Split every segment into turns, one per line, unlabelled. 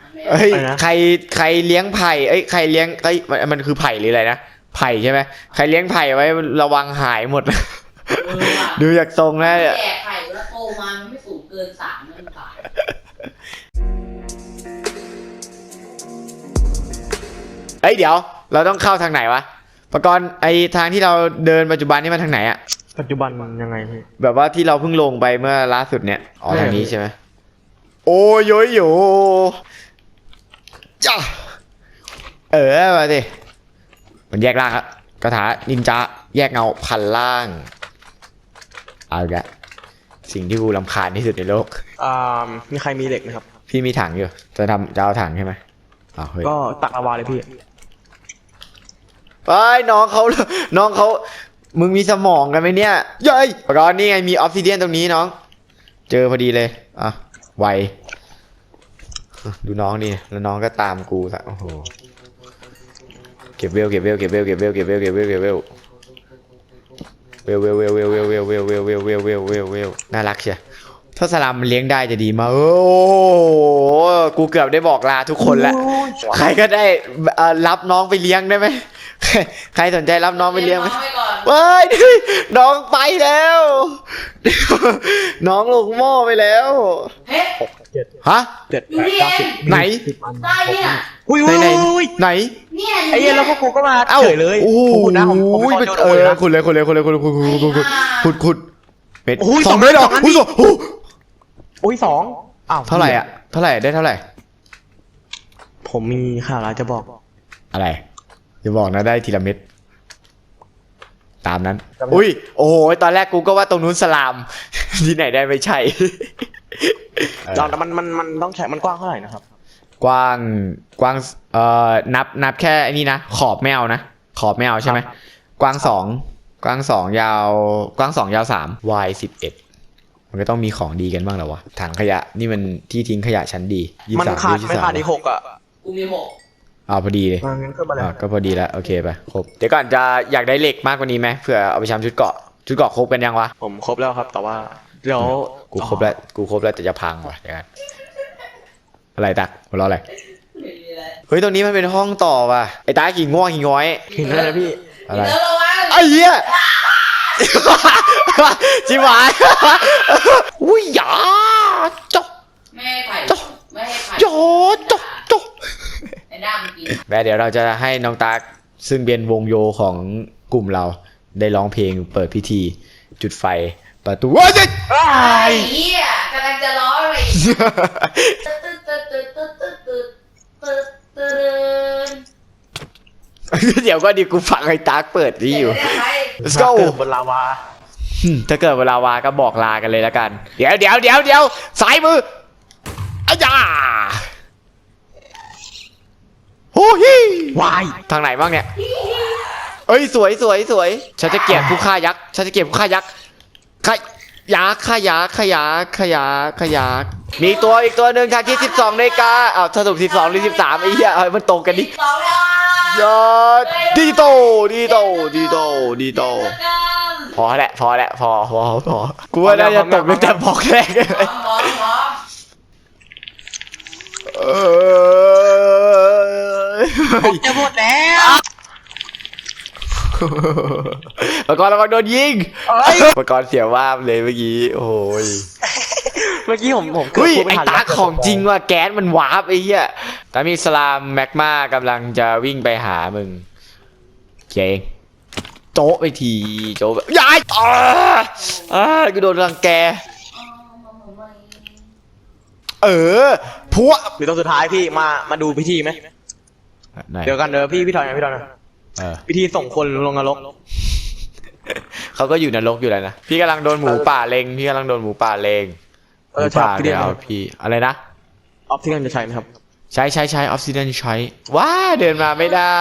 เอ้ยใครเลี้ยงไผ่เอ้ยใครเลี้ยงเอ้ยมันคือไผ่หรืออะไรนะไผ่ใช่ไหมใครเลี้ยงไผ่ไว้ระวังหายหมดดูจากทรงนะ
แก่ไข่แล้วโตมามันไม่สูงเกิน3นั่นตาย
เอ้ยเดี๋ยวเราต้องเข้าทางไหนวะประกรณ์ไอทางที่เราเดินปัจจุบันนี่มันทางไหนอะ
ปัจจุบันยังไงพี่
แบบว่าที่เราเพิ่งลงไปเมื่อล่าสุดเนี่ยอ๋อทางนี้ใช่ไหมโอ้ยโยจ้ามาดิมันแยกร่างครับคาถานินจาแยกเงาพันล่างเอาละสิ่งที่กูรำคาญที่สุดในโลก
มีใครมีเหล็กไหมครับ
พี่มีถังอยู่จะเอาถังใช่ไหม
ก็ตักลาวาเลยพี่
ไปน้องเขามึงมีสมองกันไหมเนี่ยเย้ยร้อนนี่ไงมีออฟซิเดียนตรงนี้น้องเจอพอดีเลยอ่ะไวดูน้องดิแล้วน้องก็ตามกูซะโอ้โหเก็บเวลน่ารักเชียถ้าสลัมมันเลี้ยงได้จะดีมากโอ้กูเกือบได้บอกลาทุกคนแล้วใครก็ได้รับน้องไปเลี้ยงได้ไหมใครสนใจรับน้องไปเลี้ยงไหมเฮ้ยน้องไปแล้วน้องลงหม้อไปแล้วฮะ
7
ไหน
ได้เนี่ย
ไหน
ไอ้เหี้ยแล้วพวกกูก็มาเฉยเลย
โอ้โหคุณเลยขุดเป็ด2เลยเหรอ
อุ้ย2อ้าว
เท่าไหร่ได้เท่าไหร่
ผมมีข่าวร้ายจะบอก
อะไรจะบอกนะได้ทีละเม็ดตามนั้นอุ้ยโอ้โหตอนแรกกูก็ว่าตรงนู้นสลามที่ไหนได้ไม่ใช่
แต่มันต้องใช้มันกว้างเท่าไหร่นะครับ
กว้างนับแค่ไอ้นี่นะขอบไม่เอานะขอบไม่เอาใช่ไหมกว้าง2ยาว3 y 11มันก็ต้องมีของดีกันบ้างแล้ววะถังขยะนี่มันที่ทิ้งขยะชั้นดี
มันขาดไม่ขาดอีก6อ่ะ
กูมี6
พอดีเลยก็พอดีแล้วโอเคไปครบเดี๋ยวก่อนจะอยากได้เหล็กมากกว่านี้ไหมเผื่อเอาไปทำชุดเกราะครบกันยังวะ
ผมครบแล้วครับแต่ว่าเดี๋ยว
กูครบแล้วแต่จะพังว่ะเดี๋ยวกันอะไรตักหัวเราะอะไรเฮ้ยตรงนี้มันเป็นห้องต่อว่ะไอ้ตากี่ง่วงกี่ง้อย
เห็นแล้วพี่
อะไรไอ้เหี้ยจิ๋วหายอุ้ยหยาจ๊อก
ไม่ให้ไข่
จ๊อก
ไอ้ด้ามกิน
เดี๋ยวเราจะให้น้องตาซึ่งเป็นวงโยของกลุ่มเราได้ร้องเพลงเปิดพิธีจุดไฟประตูว้าย
ไอ้เหี้ยกำลังจะร้องเลย
เดี๋ยวก็ดิกูฟังไอ้ตาเปิดนี่อยู่ Let's go
บนลาวา
ถ้าเกิดเวลาวาก็บอกลากันเลยแล้วกันเดี๋ยวสายมืออ้ยาโอ้ยว
าย
ทางไหนบ้างเนี่ยเอ้ยสวยฉันจะเกลียดผู้ฆ่ายักษ์ขยะมีอีกตัวหนึ่งทางที่12 นาฬิกาอ้าวสรุป12 หรือ 13ไอ้เหี้ยมันตรงกันดิยอดดีโตพอกูว่าน่าจะตกตั้งแต่บอกแรก
จะหมดแล้ว
ปกรณ์ระวังโดนยิงปกรณ์เสียว่าเลยเมื่อกี้โอ้ย
เมื่อกี้ผม
ไอ้ตาของจริงว่ะแก๊สมันวาร์ปไอ้เหี้ยตามีสลามแมกมากำลังจะวิ่งไปหามึงเจ๊งโจ๊ะไปทีโจ๊ะยายกูโดนรังแกพัว
หรือตอนสุดท้ายพี่มาดูพิธีไหมเดี๋ยวกันพี่ถอยนะพิธีส่งคนลงนรก
เขาก็อยู่นรกอยู่แล้วนะพี่กำลังโดนหมูป่าเล็งหมูป่าเดี๋ยวพี่อะไรนะ
ออฟซิเดนจะใช้ไหมครับ
ใช้ออฟซิเดนใช้ว้าเดินมาไม่ได้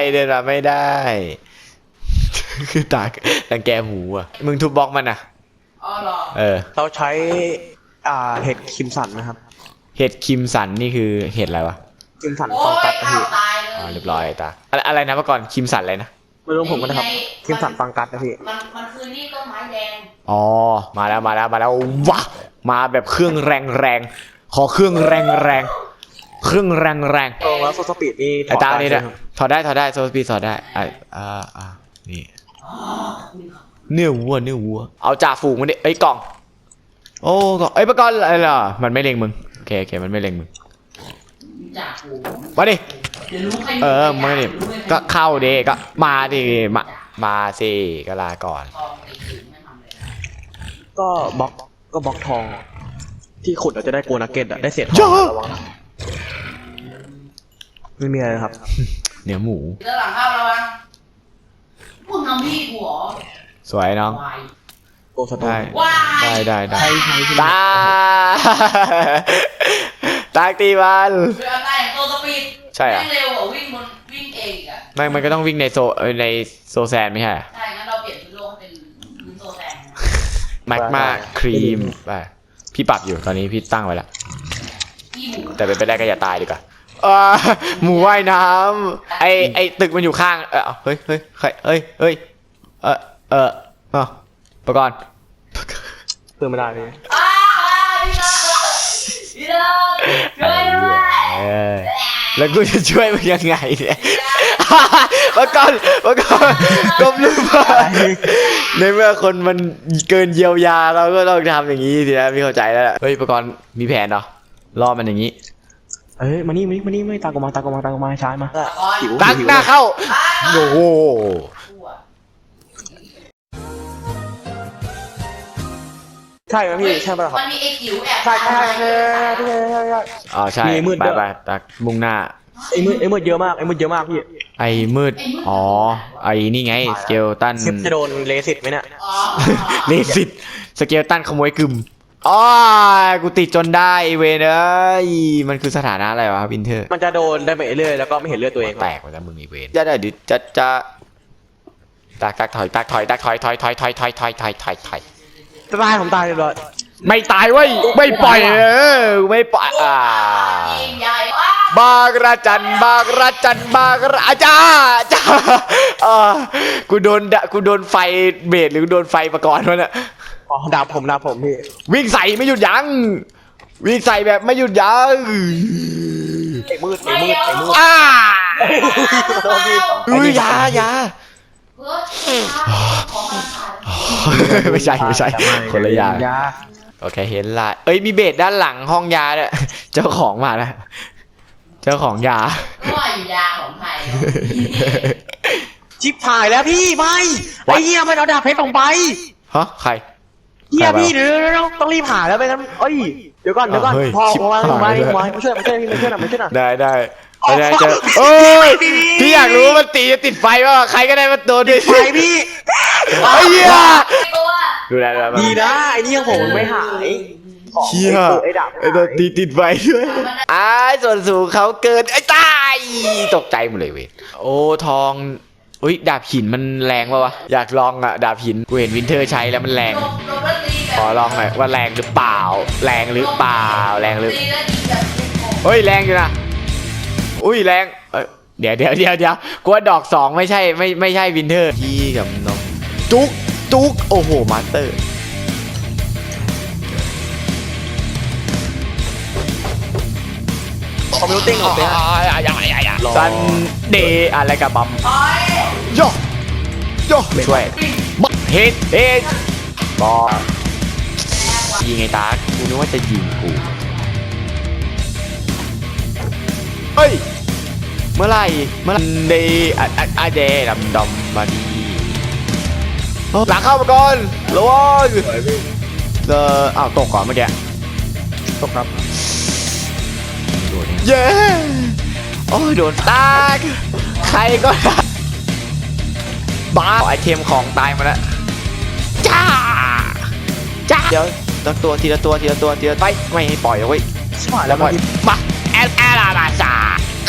คือตารังแกหมูอ่ะมึงทุบบล็อกมันอ่ะ
เราใช้เห็ดคิมสันนะครับ
เห็ดคิมสันนี่คือเห็ดอะไรวะ
คิมสันฟองกัดนะพี่
เรียบร้อยตาอะไรนะเมื่อก่อนคิมสันอะไรนะ
ไม่รู้ผมก็นะครับคิมสันฟังกัดนะพี่
มันคือนี่ต้นไม้แดง
อ๋อมาแล้วว้ามาแบบเครื่องแรงขอเครื่องแรงเครื่องแรง
ตรงแล้วโซสปีดนี่
ไอ้ตานี่นะถอดได้โซสปีดถอดได้นี่เนื้อวัวเอาจ่าฝูงมันดิไอ้กล่องโอ้กล่องไอ้ปะกอนอะไรล่ะมันไม่เล็งมึงโอเคมันไม่เล็งมึง
จากกู
มาดิ
เดี๋ยวรู้ใคร
มาดิก็เข้าดิก็มาดิมาสิก็ลาก่อน
ทองไอ้ถึงไม่ทำเลย
ก็บล็อกทอง ที่ขุดเราจะได้โกนักเก็ตอะได้เศษทองระวังนะไม่มีอะไรครับ
เนื้อหมู
เจอหลังเข้าแล้วมั้งพวกน้องพี่กูเหรอ
สวยน้อง
วาย
โกสโตน
ว้าย
ได้
ใช่
ตาตากตีมัน
เรือใต้โตสปีด
ใช่อะ
แม่งเร็วกว่าวิ่งเองอีกอะ
มันก็ต้องวิ่งในโซแซนไม่ใช่
ใช่งั้นเราเปลี่ยนพื้นโลกให้เป็นพื้นโซแซน
แมกมาครีมไปพี่ปรับอยู่ตอนนี้พี่ตั้งไว้แล้ว
พี่หมู
แต่เป็นไปได้ก็อย่าตายดีกว่าหมูว่ายน้ำไอตึกมันอยู่ข้างเฮ้ยประกอบ
เพิ่มไม่ได้พี่
พี่น้องช่วยด้วย
แล้วกูจะช่วยมึงยังไงเนี่ยประกอบก้มลงมาในเมื่อคนมันเกินเยียวยาเราก็ต้องทำอย่างนี้สินะพี่เข้าใจแล้วเฮ้ยประกอบมีแผนเหรอล่อมันอย่างนี้
เอ้ยมานี่ไม่ตากมาช้ายมาหิว
ตักหน้าเข้าโอ้โห
ใช่ไหมพี่ใช่ป่ะครับ
มันมีไอ้จิ๋วแอบ
ใช่
ใช่
มีมืดด้วย
ไปตักมุ่งหน้า
ไอ้มืดเยอะมากพี่
ไอ้มืดไอ้นี่ไงสเกลตัน
คลิปจะโดนเลสิตไหมเนี่ย
อ๋อ
เลสิตสเกลตันขโมยกึมกูติดจนได้เวนเอ้ยมันคือสถานะอะไรวะวินเทอร์
มันจะโดนได้ไปเรื่อยแล้วก็ไม่เห็นเลือดตัวเอง
แตกไปแล้วมึงไอ้เวนจะดิจะตักถอยถอย
ตายผมตายเลย
ไม่ตายเว้ยไม่ปล่อยไม่ปล่อย
ยิงใหญ่ว้า
บางระจันอาจารย์กูโดนไฟเบสหรือโดนไฟประกอบวะเนี่ย
อ๋อดาบผมพี่
วิ่งใส่ไม่หยุดยั้งวิ่งใส่แบบไม่หยุดยั้ง
ไอ้มืด
ยา
เพื่อของมันขาด
ไม่ใช่คนละอย่างโอเคเห็นละเอ้ยมีเบสด้านหลังห้องยาเนี่ยเจ้าของมาแล้วเจ้าของยา
ก็อยู่ยาของไทย
ชิบหายแล้วพี่ไม่ไอ้เหี้ยมันเอาดาบเพชรลงไป
ฮะใคร
เหี้ยพี่เดี๋ยวต้องรีบหาแล้วไปงั้นเดี๋ยวก่อนพอมาช่วยหน่อยมาช่วยหน่อย
ได้เจอโอ้ยพี่อยากรู้ว่ามันตีจะติดไฟว่าใครก็ได้มาโดนดิ
ไปพี่
ไอ้เหี้ย
ตัว
ดูแล
ดีนะไอ้นี่ยังผมไม่หาย
เชี่ย
ไอ้ดาบ
ไอ้ตัวตีติดไฟด้วยส่วนสูงเขาเกินไอ้ตายตกใจหมดเลยเว้ยโอ้ทองอุ้ยดาบหินมันแรงป่าวะอยากลองอะดาบหินกูเห็นวินเทอร์ใช้แล้วมันแรง ขอลองหน่อยว่าแรงหรือเปล่าตีแล้วยิงแบบเฮ้ยแรงอยู่นะอุ้ยแรงเดี๋ยวกลัวดอกสองไม่ใช่วินเทอร์พี่กับน้องจุกโอ้โหมาสเตอร์
คอมพิวติ้งออกไป
ซันเดย์อะไรกับบัมโยช่วยบักเฮดบอยิงไงตากูนึกว่าจะยิงกูเฮ้ยเมื่อไหร่เดย์เดย์ดำมาดีหลังเข้ามาก่อนระวังตกก่อนเมื่อกี้ตกครับเย้โอ้ยโดนตากใครก็ได้บ้าไอเทมของตายมาแล้วจ้าเดี๋ยวตัวทีละตัวไปไม่ให้ปล่อยเอาไว้
ชิบหายแล้ว
มาแอลาลาจ่า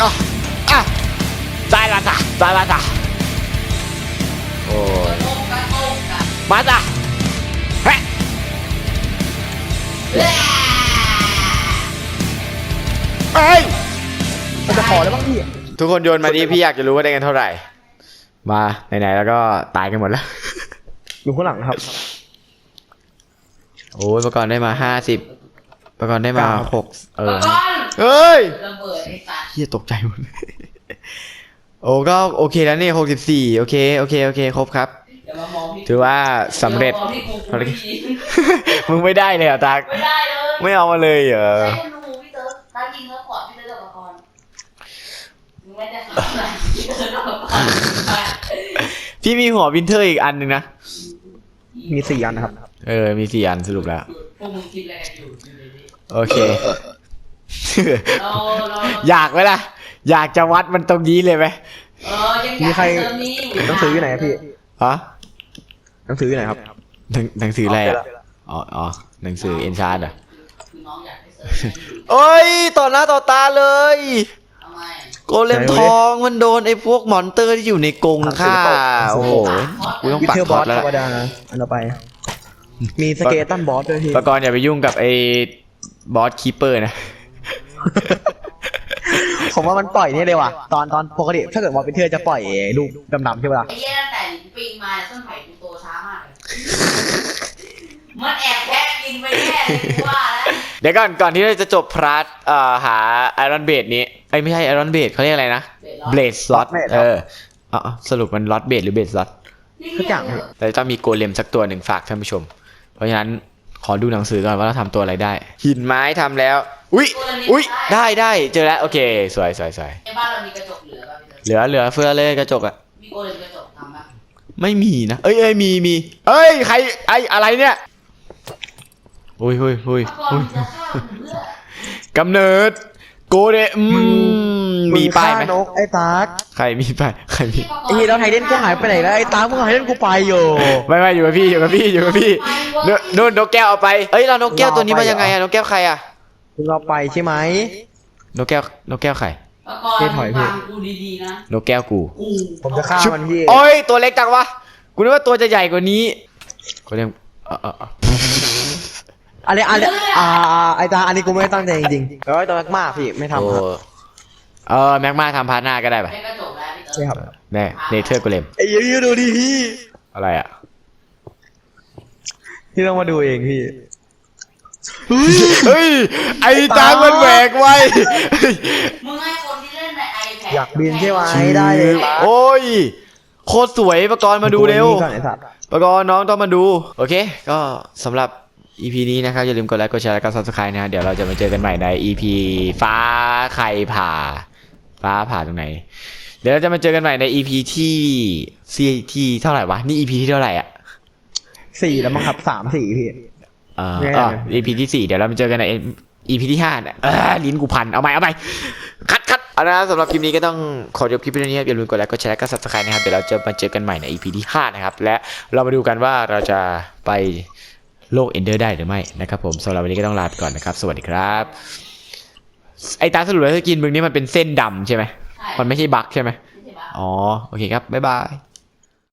ซาลาจ่าโอ้ยมาจ้ะเฮ้ย
มันจะพอแล้วบ้างพี่
ทุกคนโยนมาดิพี่อยากจะรู้ว่าได้กันเท่าไหร่มาไหนๆแล้วก็ตายกันหมดแล้ว
อยู่ข้างหลังครับ
โอ้ยประกอบได้มา50ประกอบได้มา6 เฮ้ย
ระเบิดไอ้สัตว์
เฮียตกใจหมด โอ้ก็โอเคแล้วนี่64โอเคครบครับ
เดี๋ยวมามองพี่
ถือว่าสำเร็จ
ดี๋ยวมองพี่กู
ภารกิจ มึงไม่ได้เลยเหรอตา
ไม่ได้เลย
ไม่เอามาเลยเหรอ
ใช่คุณดูพี่เติร์ดตายิงแล้วกอดพี่เติร์ดกับละครมึงไม่ได้ทำอะไรพี่เติร์ดกับละคร
พี่มีหัววินเทอร์อีกอันหนึ่งนะ
มี4 อันนะครับ
มี4 อันสรุปแล้ว
พวกมึงคิดอะไรกันอยู่ในนี้
โอเค
เราเรา
อยากไหมล่ะ อยากจะวัดมันตรงนี้เลยไหม
ยังอยาก
มีใคร
เติมนี้อยู่
หนังสืออยู่ไหนอะพี่
ฮะ
หนังสืออยู่ไหนครับ
หนังสืออะไรอ่ะอ๋อหนังสือเอ็นชาร์ดอ่ะ
คือน้องอยากให้เติมนี้อยู่
โอ้ยต่อหน้าต่อตาเลย
ทำไม
โกเลมทองมันโดนไอ้พวกมอนเตอร์ที่อยู่ในกรงฆ่าโอ้โหกูต้อง
วิ
ปัก
เทอร์
ค
บ
อ
อ
ร์
ส
สแล้ว
ธรรมดาอันต่อไป มีสเกตันบอสด้วยพี่
ปกรณ์อย่าไปยุ่งกับไอ้บอสคีเปอร์นะ
ผมว่ามันปล่อยนี่เลยว่ะ ตอนปกติถ้าเกิดว่าเป็นเทอร์จะปล่อยลูกดำๆใช่ปะล่ะ
ไอ้เหี้ยตั้งแต่ปีนมาต้นไผ่กูโตช้ามากเลยมันแอบแพ้กินไปแน่เลยกูว่าแล้ว
เดี๋ยวก่อนที่เราจะจบพาร์ทหาไอรอนเบดนี้ไอ้ยไม่ใช่ไอรอนเบดเขาเรียกอะไรนะเบลดสล็อตสรุปมันล็อตเบดหรือเบดสล็อต
ทุกอย่าง
แต่ต้องมีโกเลมสักตัวหนึ่งฝากท่านผู้ชม เพราะฉะนั้นขอดูหนังสือก่อนว่าเราทำตัวอะไรได้ หินไม้ทำแล้ว อุ้ยได้เจอแล้วโอเคสวย
ในบ้านเรามีกระจกเหลือป่ะพี่เติร์ด
เหลือเฟือเลยกระจกอะ
มีโกเลมกระจกทำป่ะ
ไม่มีนะเอ้ยมีใครอะไรเนี่ยอุ้ย
ถ้าก่อนจะฆ่าผมเพื่อก
ำเนิดโกเดมีป้ายไหม
นกไอ้ตาร์ก
ใครมีป้ายใครมี
ไอ้เหี้ยแล้วไทเดนกูหายไปไหนแล้วไอ้ตาร์กมึงหายเดนกูไปอยู่
ไม่อยู่กับพี่นู่นนกแก้วเอาไปเอ้ยเรานกแก้วตัวนี้มายังไงอะนกแก้วใครอะ
มึงเอาไปใช่ไหม
นกแก้วใคร
ถ้าก่อน
เจ๊ถอยพี่
ฟังกูดีๆนะ
นกแก้วกู
กู
ผมจะฆ่ามันพี่
โอ้ยตัวเล็กจังวะกูนึกว่าตัวจะใหญ่กว่านี้โกเดม
อะไรไอ้ตาอันนี้กูไม่ได้ตั้งใจจริงๆแล้วไอ้ตัวมากพี่ไม่ทำครับ
แม็กมาทำพาร์ทหน้าก็ได้ปะ
ได้กระจกแล้วพี่เติร์ด
ใช่ครับ
แน่เนเธอร์โกเลม
ไอ้ยี่ดูดิพี่
อะไรอะ
พี่ต้องมาดูเองพี่
เฮ้ยไอ้ตามันแหวกไว้
มึงให้คนที่เล่นใน iPad
อยากบินใช่ไหมได้เลยตา
โอ้ยโคตรสวยประกรณ์มาดูเร็ว
ก่อนไอ้สัตว์
ประกรณ์น้องต้องมาดูโอเคก็สำหรับ EP นี้นะครับอย่าลืมกดไลค์กดแชร์และก็ Subscribe นะเดี๋ยวเราจะมาเจอกันใหม่ใน EP ฟ้าใครผ่าตรงไหนเดี๋ยวเราจะมาเจอกันใหม่ใน EP ที่เท่าไหร่วะนี่ EP ที่เท่าไหร่อ่ะ
4แล้วมั้งครับ3-4พี่ แน่
EP ที่4เดี๋ยวเรามาเจอกันใน EP ที่5เนี่ยลิ้นกูพันเอาใหม่คัดเอาละสำหรับคลิปนี้ก็ต้องขอจบคลิปนี้ครับอย่าลืมกดไลค์กดแชร์และก็ Subscribe นะครับเดี๋ยวเราจะมาเจอกันใหม่ใน EP ที่5นะครับและเรามาดูกันว่าเราจะไปโลกเอนเดอร์ได้หรือไม่นะครับผมสำหรับวันนี้ก็ต้องลาไปก่อนนะครับสวัสดีครับไอ้ตาสรุปแล้วสกินมึงนี่มันเป็นเส้นดำใช่ไหม
ใช่
มันไม่ใช่บั๊กใช่ไหม
ไม่ใช่ปะ
อ๋อโอเคครับบ๊ายบาย